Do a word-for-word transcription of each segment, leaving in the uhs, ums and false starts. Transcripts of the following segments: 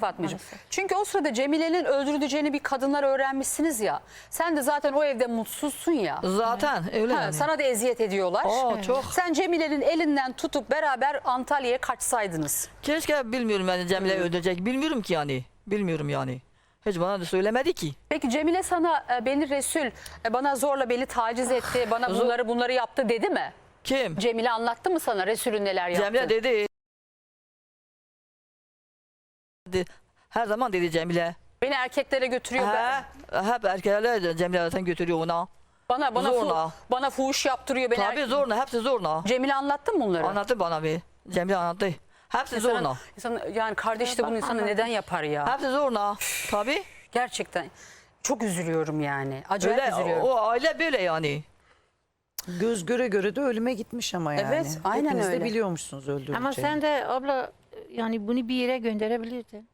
Fatmacığım. Maalesef. Çünkü o sırada Cemile'nin öldürüleceğini bir kadınlar öğrenmişsiniz ya. Sen de zaten o evde mutsuzsun ya. Zaten öyle Ha, yani. sana da eziyet ediyorlar. Oo, çok. Sen Cemile'nin elinden tutup beraber Antalya'ya kaçsaydınız. Keşke bilmiyorum yani Cemile öldürecek. Bilmiyorum ki yani. Bilmiyorum yani. Hiç bana da söylemedi ki. Peki Cemile sana e, beni Resul e, bana zorla beni taciz etti, bana Zor- bunları bunları yaptı dedi mi? Kim? Cemile anlattı mı sana Resul'ün neler yaptı? Cemile dedi. dedi. Her zaman dedi Cemile. Beni erkeklere götürüyor. Ben, He, hep erkekler Cemile zaten götürüyor ona. bana bana fu, zorla. bana fuhuş yaptırıyor beni. Tabii erkek- zorla, hepsi zorla. Cemile anlattı mı bunları? Anlattı bana bir. Cemile anlattı. Hepsi zorla. İnsanın- insan- yani kardeş de bunu insana neden yapar ya? Hepsi zorla. Tabii. Gerçekten çok üzülüyorum yani. Acayip Öyle, üzülüyorum. o aile böyle yani. Göz göre göre de ölüme gitmiş ama yani. Evet, aynen Hepiniz öyle. de biliyormuşsunuz öldüreceğini. Ama sen de abla yani bunu bir yere gönderebilirdin.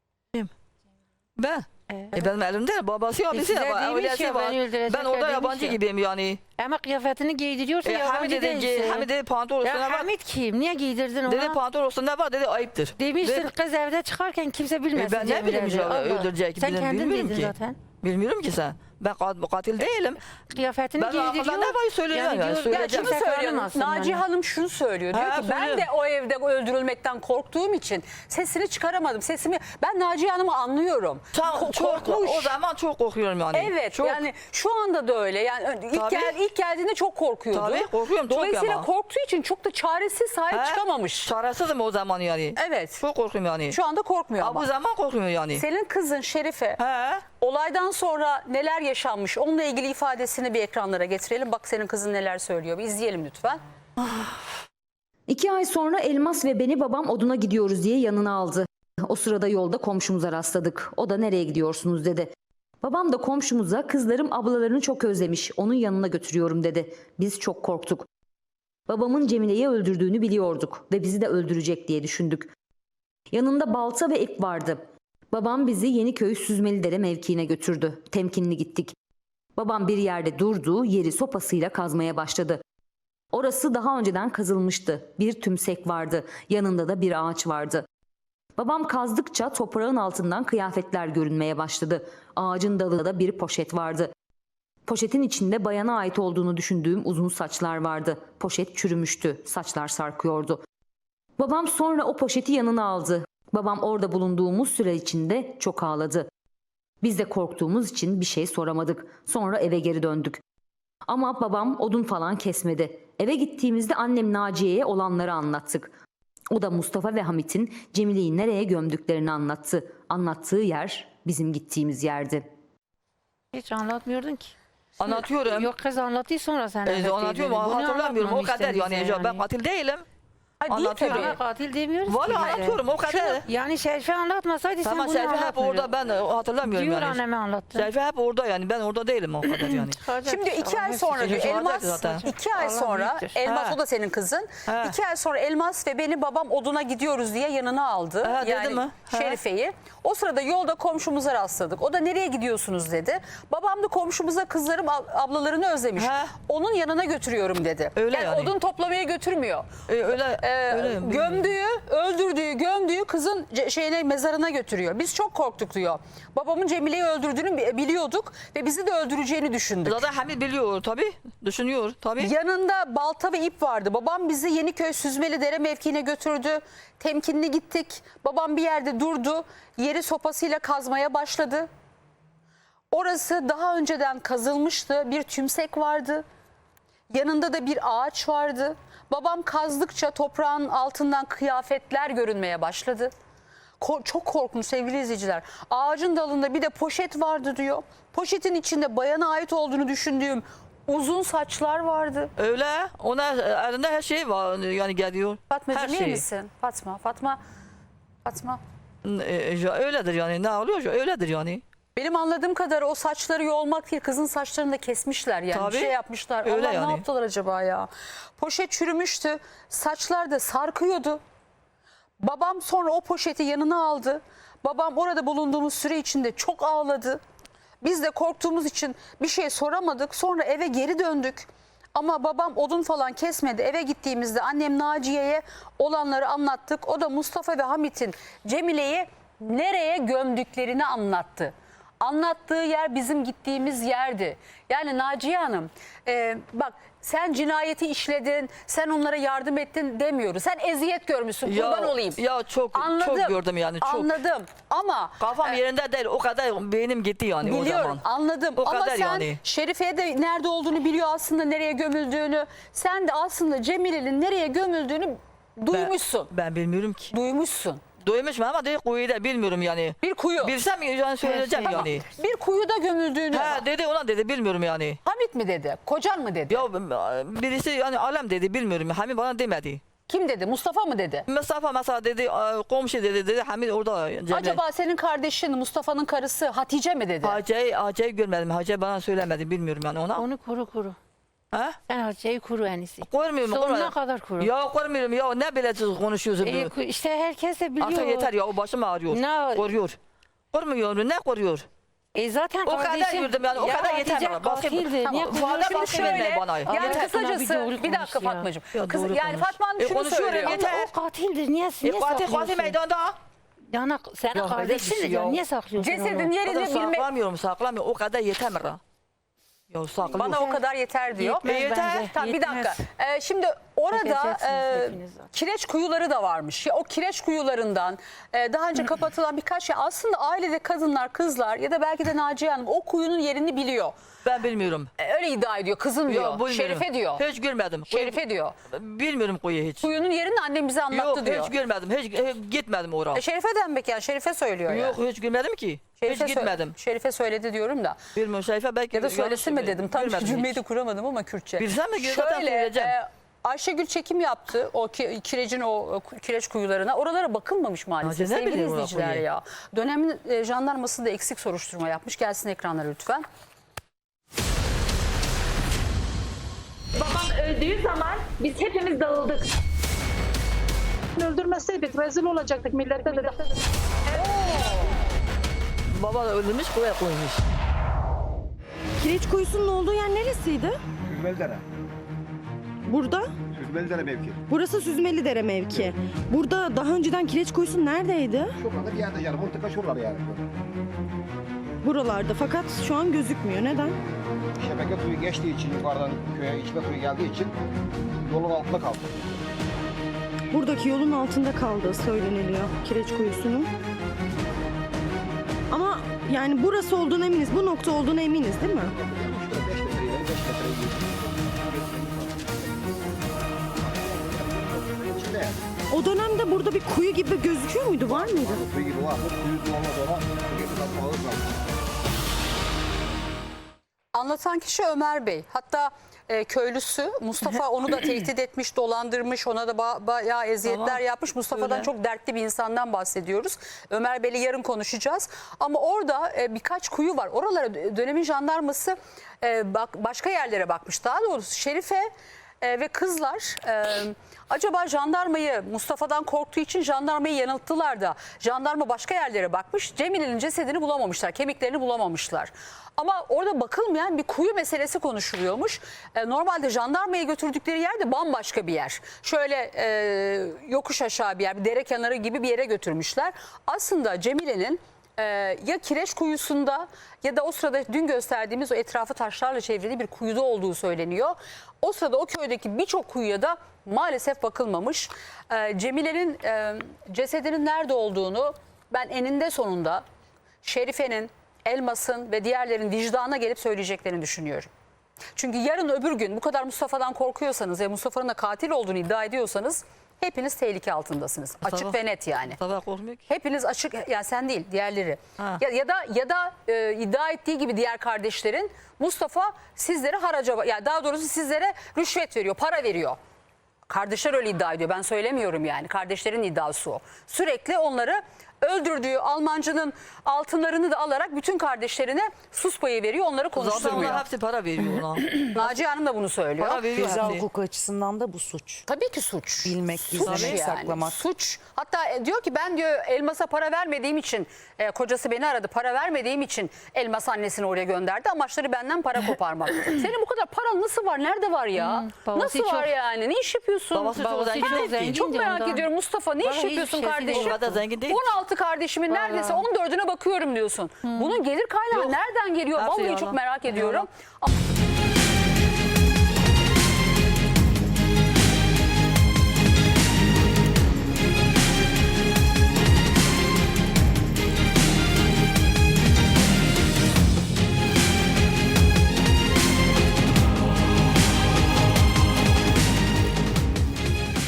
Ben. Evet. E benim elimde babası abisi size var, demiş ailesi ya, var. beni öldürecekler Ben orada demiş yabancı ya. gibiyim yani. Ama kıyafetini giydiriyorsun E, yabancı Hamid dedi, değilsin. Hamid dedi pantolon Ya üstüne var. Hamid kim? Niye giydirdin ona? Dedi pantolon üstüne var dedi ayıptır. Demişsin Ve- kız evde çıkarken kimse bilmesin. E, ben ne Cemile'dir. bileyim ya, Allah. öldürecek, Sen bilmiyorum- kendin bilmiyorum dedin ki. zaten. Bilmiyorum ki sen. Ben kat- katil değilim. Kıyafetini Ben giydiriyor. arkadan ne var söylüyorum yani, diyor, söyleyeceğim. Ya Söyleyeceğim. şunu kimse söylüyor. tanımasın Naciye yani. Hanım şunu söylüyor. Diyor Ha, ki ben söylüyor. de o evde öldürülmekten korktuğum için sesini çıkaramadım. Sesimi ben Naciye Hanım'ı anlıyorum. Tam, Ko- çok, korkmuş. o zaman çok korkuyorum yani. Evet Çok. yani şu anda da öyle. Yani ilk, Tabii. gel, ilk geldiğinde çok korkuyordu. Tabii, korkuyorum çok Dolayısıyla ama. korktuğu için çok da çaresiz sahip He? çıkamamış. Çaresizim o zaman yani. Evet. Çok korkuyorum yani. Şu anda korkmuyor Ha, ama. bu zaman korkuyorum yani. Senin kızın Şerife He. olaydan sonra neler yaşanmış onunla ilgili ifadesini bir ekranlara getirelim. Bak senin kızın neler söylüyor. Bir izleyelim lütfen. İki ay sonra Elmas ve beni babam oduna gidiyoruz diye yanına aldı. O sırada yolda komşumuza rastladık. O da nereye gidiyorsunuz dedi. Babam da komşumuza kızlarım ablalarını çok özlemiş, onun yanına götürüyorum dedi. Biz çok korktuk. Babamın Cemile'yi öldürdüğünü biliyorduk ve bizi de öldürecek diye düşündük. Yanında balta ve ip vardı. Babam bizi Yeniköy Süzmelidere mevkiine götürdü. Temkinli gittik. Babam bir yerde durdu, yeri sopasıyla kazmaya başladı. Orası daha önceden kazılmıştı. Bir tümsek vardı. Yanında da bir ağaç vardı. Babam kazdıkça toprağın altından kıyafetler görünmeye başladı. Ağacın dalında da bir poşet vardı. Poşetin içinde bayana ait olduğunu düşündüğüm uzun saçlar vardı. Poşet çürümüştü. Saçlar sarkıyordu. Babam sonra o poşeti yanına aldı. Babam orada bulunduğumuz süre içinde çok ağladı. Biz de korktuğumuz için bir şey soramadık. Sonra eve geri döndük. Ama babam odun falan kesmedi. Eve gittiğimizde annem Naciye'ye olanları anlattık. O da Mustafa ve Hamit'in Cemile'yi nereye gömdüklerini anlattı. Anlattığı yer bizim gittiğimiz yerdi. Hiç anlatmıyordun ki. Anlatıyorum. Yok kız anlattı sonra sen E, anlat anlatıyorum dedin. ama Bunu hatırlamıyorum o kadar anlatmamıştın yani. bize Ya Ben katil değilim. Ha, değil Anlatıyorum. tabii. Ama katil demiyoruz ki Valla bize. anlatıyorum o kadar. Yani Şerife anlatmasaydı sen Tamam bunu Şerife hep anlatmıyordun. orada, ben hatırlamıyorum Diyor yani. anneme anlattı. Şerife hep orada yani, ben orada değilim o kadar yani. Şimdi iki ay sonra diyor Çocuğu Elmas, vardı zaten. iki ay Allah sonra büyüktür. Elmas Ha. o da senin kızın. Ha. İki ay sonra Elmas ve beni babam oduna gidiyoruz diye yanına aldı. Ha, dedi yani mi? Ha. Şerife'yi. O sırada yolda komşumuza rastladık. O da nereye gidiyorsunuz dedi. Babam da komşumuza kızlarım ab- ablalarını özlemiş. Ha. Onun yanına götürüyorum dedi. Öyle yani, yani. odun toplamaya götürmüyor. E, öyle, Ee, öyle. gömdüğü, öldürdüğü, gömdüğü kızın ce- şeyine mezarına götürüyor. Biz çok korktuk diyor. Babamın Cemile'yi öldürdüğünü bi- biliyorduk ve bizi de öldüreceğini düşündük. Zaten Hamid biliyor tabii, düşünüyor tabii. Yanında balta ve ip vardı. Babam bizi Yeniköy Süzmelidere mevkiine götürdü. Temkinli gittik. Babam bir yerde durdu. Yeri sopasıyla kazmaya başladı. Orası daha önceden kazılmıştı. Bir tümsek vardı. Yanında da bir ağaç vardı. Babam kazdıkça toprağın altından kıyafetler görünmeye başladı. Ko- çok korkunç sevgili izleyiciler. Ağacın dalında bir de poşet vardı diyor. Poşetin içinde bayana ait olduğunu düşündüğüm uzun saçlar vardı. Öyle, ona elinde her şey var yani geliyor. Fatmacığım her iyi şey. misin? Fatma, Fatma, Fatma. E, ya öyledir yani, ne oluyor öyledir yani. Benim anladığım kadar o saçları yolmak değil, kızın saçlarını da kesmişler yani. Tabii. Bir şey yapmışlar. Öyle Allah yani. ne yaptılar acaba ya? Poşet çürümüştü. Saçlar da sarkıyordu. Babam sonra o poşeti yanına aldı. Babam orada bulunduğumuz süre içinde çok ağladı. Biz de korktuğumuz için bir şey soramadık. Sonra eve geri döndük. Ama babam odun falan kesmedi. Eve gittiğimizde annem Naciye'ye olanları anlattık. O da Mustafa ve Hamit'in Cemile'yi nereye gömdüklerini anlattı. Anlattığı yer bizim gittiğimiz yerdi. Yani Naciye Hanım e, bak sen cinayeti işledin, sen onlara yardım ettin demiyoruz. Sen eziyet görmüşsün, kurban olayım. Ya çok Anladım, çok gördüm yani çok. Anladım ama Kafam e, yerinde değil, o kadar beynim gitti yani o biliyorum, zaman. anladım. O Ama kadar sen yani. Şerife'ye de nerede olduğunu biliyor aslında, nereye gömüldüğünü. Sen de aslında Cemile'nin nereye gömüldüğünü duymuşsun. Ben, ben bilmiyorum ki. Duymuşsun. Duymuşum ama değil, kuyu da bilmiyorum yani. Bir kuyu. Bilsem yani söyleyeceğim şey. yani. Bir kuyuda gömüldüğünü. Ha dedi, ona dedi, bilmiyorum yani. Hamit mi dedi? Kocan mı dedi? Ya birisi yani alem dedi, bilmiyorum. Hamid bana demedi. Kim dedi? Mustafa mı dedi? Mustafa mesela dedi, komşu dedi, dedi Hamid orada. Cemile. Acaba senin kardeşin Mustafa'nın karısı Hatice mi dedi? Hacı'yı Hacı'yı görmedim. Hacı bana söylemedi, bilmiyorum yani ona. Onu kuru kuru. Ha? Sen harcayı kuru en iyisi. Koymuyorum. Sonuna koymuyorum. kadar kuru. Ya koymuyorum ya, ne böyle konuşuyorsun? E, ku- işte herkes de biliyor. Artık yeter ya, o başım ağrıyor. Ne- Koruyor. Korumuyor, ne koruyor? E zaten O kadar kardeşim. yürüdüm yani, o Ya kadar yeter Hatice bana. Başka- katildi. Tamam, Niye bu kuruyor? arada Şimdi başka şöyle- birine bana. Yani Yeter. kısacası Doğru bir dakika konuş ya. Fatmacığım. Ya Kız, doğru yani konuş. Fatma Hanım E, şunu konuşuyorum, söylüyor. yeter. O katildir. Niye, niye E, katil katil saklıyorsun? meydanda. Yani senin Ya, kardeşindir öyle bir ya. şey Niye ya. saklıyorsun Cesedin onu? yerini Kadın bilmek saklamıyorum, saklamıyorum. O kadar yeter mi? lan? Ya saklıyor. bana o kadar yeter diyor. Yetmez E, yeter. bence. Tamam, bir Yetmez. dakika. Ee, şimdi orada Çekeceksiniz e, hepiniz zaten. kireç kuyuları da varmış. Ya, o kireç kuyularından e, daha önce kapatılan birkaç şey. Aslında ailede kadınlar, kızlar ya da belki de Naciye Hanım o kuyunun yerini biliyor. Ben bilmiyorum. E, öyle iddia ediyor. Kızım diyor. Yok, bilmiyorum. Şerife diyor. Hiç görmedim. Kuyu- Şerife diyor. Bilmiyorum kuyu hiç. Kuyunun yerini annem bize anlattı Yok diyor. hiç görmedim. Hiç, hiç gitmedim oraya. E, Şerife demek yani. Şerife söylüyor ya. Yok hiç görmedim ki. Şerife hiç sö- gitmedim. Şerife söyledi diyorum da. Bilmiyorum Şerife belki. Ya da söylesin mi yanlış dedim. Tam görmedim cümleyi hiç. de kuramadım ama Kürtçe. Bilsem mi? Zaten Şöyle söyleyeceğim. e, Ayşegül çekim yaptı o ki, kirecin o e, kireç kuyularına. Oralara bakılmamış maalesef. Hacı ne Sevgili biliyor izleyiciler orayı? ya. Dönemin e, jandarması da eksik soruşturma yapmış. Gelsin ekranlara lütfen. Babam öldüğü zaman biz hepimiz dağıldık. Öldürmeseydik rezil olacaktık millete de. Baba da öldürmüş, buraya koymuş. Kireç kuyusunun olduğu yer neresiydi? Süzmelidere. Burada. Süzmelidere mevki. Burası Süzmelidere mevki. Burada daha önceden kireç kuyusu neredeydi? Şurada bir yerde yani. Mıntıka şuraları yani. Buralarda fakat şu an gözükmüyor. Neden? Şebeke suyu geçtiği için yukarıdan köye içme suyu geldiği için yolun altında kaldı. Buradaki yolun altında kaldığı söyleniliyor kireç kuyusunun. Ama yani burası olduğuna eminiz, bu nokta olduğuna eminiz değil mi? Şurada beş metre ileri beş metre ileri. İçinde yani. O dönemde burada bir kuyu gibi gözüküyor muydu? Var mıydı? Suyu gibi var. Suyu olmaz ona. Suyu alır lazım. Anlatan kişi Ömer Bey. Hatta e, köylüsü Mustafa onu da tehdit etmiş, dolandırmış, ona da ba- bayağı eziyetler Tamam. yapmış. Mustafa'dan Öyle. çok dertli bir insandan bahsediyoruz. Ömer Bey'le yarın konuşacağız. Ama orada e, birkaç kuyu var. Oralara dönemin jandarması e, bak, başka yerlere bakmış. Daha doğrusu Şerife e, ve kızlar e, acaba jandarmayı Mustafa'dan korktuğu için jandarmayı yanılttılar da jandarma başka yerlere bakmış. Cemile'nin cesedini bulamamışlar, kemiklerini bulamamışlar. Ama orada bakılmayan bir kuyu meselesi konuşuluyormuş. E, normalde jandarmaya götürdükleri yer de bambaşka bir yer. Şöyle e, yokuş aşağı bir yer, bir dere kenarı gibi bir yere götürmüşler. Aslında Cemile'nin e, ya kireç kuyusunda ya da o sırada dün gösterdiğimiz o etrafı taşlarla çevrili bir kuyuda olduğu söyleniyor. O sırada o köydeki birçok kuyuya da maalesef bakılmamış. E, Cemile'nin e, cesedinin nerede olduğunu ben eninde sonunda Şerife'nin, Elmas'ın ve diğerlerin vicdana gelip söyleyeceklerini düşünüyorum. Çünkü yarın öbür gün bu kadar Mustafa'dan korkuyorsanız ve Mustafa'nın da katil olduğunu iddia ediyorsanız hepiniz tehlike altındasınız. Açık Mustafa- ve net yani. Mustafa korkmuyor ki. Hepiniz açık, yani sen değil diğerleri. Ha. Ya, ya da ya da e, iddia ettiği gibi diğer kardeşlerin Mustafa sizlere haraca, yani daha doğrusu sizlere rüşvet veriyor, para veriyor. Kardeşler öyle iddia ediyor. Ben söylemiyorum yani. Kardeşlerin iddiası o. Sürekli onları öldürdüğü Almancının altınlarını da alarak bütün kardeşlerine sus payı veriyor. Onları Zaten konuşturmuyor. ona hepsi para veriyor ona. Naciye Hanım da bunu söylüyor. Para veriyor Ceza hepsi. hukuku açısından da bu suç. Tabii ki suç. Bilmek, Suç gizlemek, saklamak. Suç. Hatta e, diyor ki ben diyor Elmas'a para vermediğim için e, kocası beni aradı. Para vermediğim için Elmas annesini oraya gönderdi. Amaçları benden para koparmak. Senin bu kadar paran nasıl var? Nerede var ya? babası nasıl var çok- yani? Ne iş yapıyorsun? Babası çok Babası zengin çok değil ki. zengin. Çok merak ondan. ediyorum Mustafa. Ne iş Vallahi hiçbir yapıyorsun şeysi kardeşim? yok. O kadar zengin değil ki. on altı altı kardeşimin Vallahi. neredeyse on dördüne bakıyorum diyorsun. Bunun gelir kaynağı Yok. nereden geliyor? Hepsi Vallahi yalan. çok merak ediyorum. Yalan.